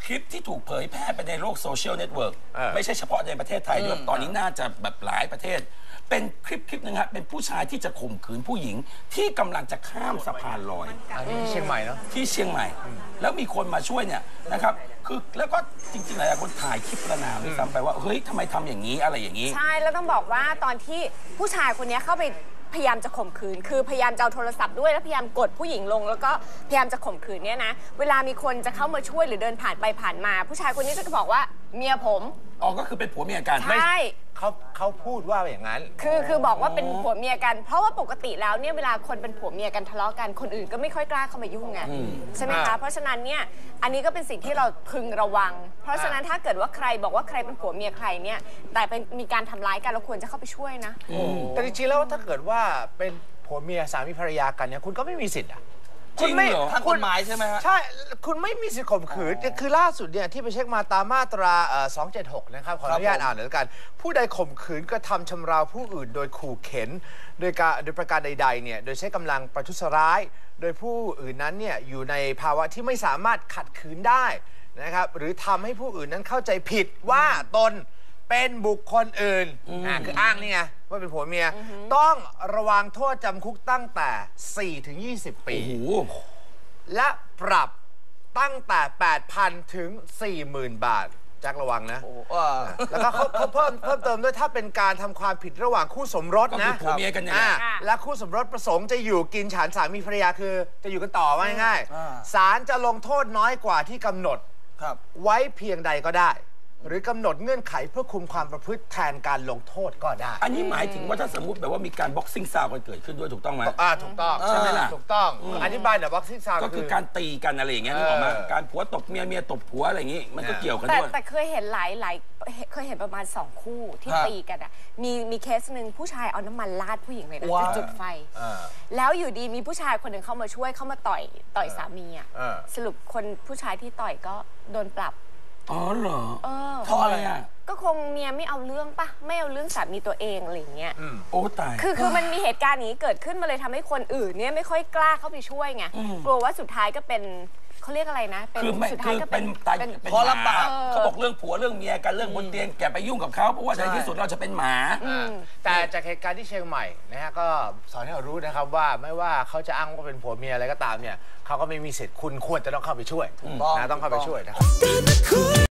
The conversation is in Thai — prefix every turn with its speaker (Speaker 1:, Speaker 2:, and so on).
Speaker 1: ลิปที่ถูกเผยแพร่ไปในโลกโซเชียลเน็ตเวิร์กไม่ใช่เฉพาะในประเทศไทยด้วยตอนนี้น่าจะแบบหลายประเทศเป็นคลิปนึงฮะเป็นผู้ชายที่จะข่มขืนผู้หญิงที่กำลังจะข้ามสะพานลอย
Speaker 2: ที่เชียงใหม่เนาะ
Speaker 1: ที่เชียงใหม่แล้วมีคนมาช่วยเนี่ยนะครับคือแล้วก็จริงๆหลายคนถ่ายคลิปประนามด้วยซ้ำไปว่าเฮ้ยทำไมทำอย่างนี้อะไรอย่างนี้
Speaker 3: ใช่แล้วต้องบอกว่าตอนที่ผู้ชายคนนี้เข้าไปพยายามจะข่มขืนคือพยายามจะเอาโทรศัพท์ด้วยแล้วพยายามกดผู้หญิงลงแล้วก็พยายามจะข่มขืนเนี่ยนะเวลามีคนจะเข้ามาช่วยหรือเดินผ่านไปผ่านมาผู้ชายคนนี้จะบอกว่าเมียผม
Speaker 1: อ๋อก็คือเป็นผัวเมียกัน
Speaker 3: ใช่
Speaker 2: เขาพูดว่าอย่างนั้น
Speaker 3: คือบอกว่าเป็นผัวเมียกันเพราะว่าปกติแล้วเนี่ยเวลาคนเป็นผัวเมียกันทะเลาะกันคนอื่นก็ไม่ค่อยกล้าเข้ามายุ่งไงใช่ไหมคะเพราะฉะนั้นเนี่ยอันนี้ก็เป็นสิ่งที่เราพึงระวังเพราะฉะนั้นถ้าเกิดว่าใครบอกว่าใครเป็นผัวเมียใครเนี่ยแต่เป็นมีการทำร้ายกันเราควรจะเข้าไปช่วยนะ
Speaker 2: แต่จริงๆแล้วถ้าเกิดว่าเป็นผัวเมียสามีภรรยากันเนี่ยคุณก็ไม่มีสิทธิ์อะ
Speaker 1: คุณไม่
Speaker 4: ทางกฎหมายใช่ไหมฮะ
Speaker 2: ใช่คุณไม่มีสิทธิ์ข่มขืนคือล่าสุดเนี่ยที่ไปเช็คมาตามมาตรา276นะครับขออนุญาตอ่านหน่อยละกันผู้ใดข่มขืนกระทำชำเราผู้อื่นโดยขู่เข็นโดยประการใดๆเนี่ยโดยใช้กำลังประทุษร้ายโดยผู้อื่นนั้นเนี่ยอยู่ในภาวะที่ไม่สามารถขัดขืนได้นะครับหรือทำให้ผู้อื่นนั้นเข้าใจผิดว่าตนเป็นบุคคลอื่นคืออ้างนี่ไงว่าเป็นผัวเมียต้องระวังโทษจำคุกตั้งแต่4 ถึง 20 ปีและปรับตั้งแต่ 8,000 ถึง 40,000 บาทแจ็คระวังนะแล้วก็เขาเพิ่มเติมด้วยถ้าเป็นการทำความผิดระหว่างคู่สมรสนะ
Speaker 1: ผัวเมียกันเนี่ย
Speaker 2: และคู่สมรสประสงค์จะอยู่กินฉันสามีภรรยาคือจะอยู่กันต่อว่าง่ายๆศาลจะลงโทษน้อยกว่าที่กำหนดไว้เพียงใดก็ได้หรือกำหนดเงื่อนไขเพื่อคุมความประพฤติแทนการลงโทษก็ได้
Speaker 1: อันนี้หมายถึงว่าถ้าสมมติแบบว่ามีการบ็อกซิ่งซาวกันเกิดขึ้นด้วยถูกต้องไหม
Speaker 2: ถูกต้อง
Speaker 1: ใช่ไหมล่ะ
Speaker 2: ถูกต้องอธิบายหน่อยบ็อกซิ่งซาว
Speaker 1: ก็คือการตีกันอะไรอย่างเงี้ยนึกออกไหมการผัวตบเมียเมียตบผัวอะไรอย่างงี้มันก็เกี่ยวกันด้วย
Speaker 3: แต่เคยเห็นหลายเคยเห็นประมาณ2 คู่ที่ตีกันอ่ะมีเคสหนึ่งผู้ชายเอาน้ำมันราดผู้หญิงเลยนะจะจุดไฟแล้วอยู่ดีมีผู้ชายคนหนึ่งเข้ามาช่วยเข้ามาต่อยสามีอ่ะสรุปคนผู้ชายที่ต่อยก็โดนปรับ
Speaker 1: อ๋อเหรอเพราะอะไรอ่ะ
Speaker 3: ก็คงเมียไม่เอาเรื่องปะไม่เอาเรื่องสามีตัวเองอะไรเงี้ย
Speaker 1: โอ้ตาย
Speaker 3: คือมันมีเหตุการณ์นี้เกิดขึ้นมาเลยทำให้คนอื่นเนี่ยไม่ค่อยกล้าเข้าไปช่วยไงกลัวว่าสุดท้ายก็เป็นเขาเรียกอะไรนะ
Speaker 1: เป็นสุดท้ายก็เป็นตายเป็นหมาเขาบอกเรื่องผัวเรื่องเมียกันเรื่องบนเตียงแกไปยุ่งกับเขาเพราะว่าในที่สุดเราจะเป็นหมา
Speaker 2: แต่จากเหตุการณ์ที่เชียงใหม่นะฮะก็สอนให้เรารู้นะครับว่าไม่ว่าเขาจะอ้างว่าเป็นผัวเมียอะไรก็ตามเนี่ยเขาก็ไม่มีสิทธิ์คุณควรจะต้องเข้าไปช่วยนะต้องเข้าไปช่วยนะครับ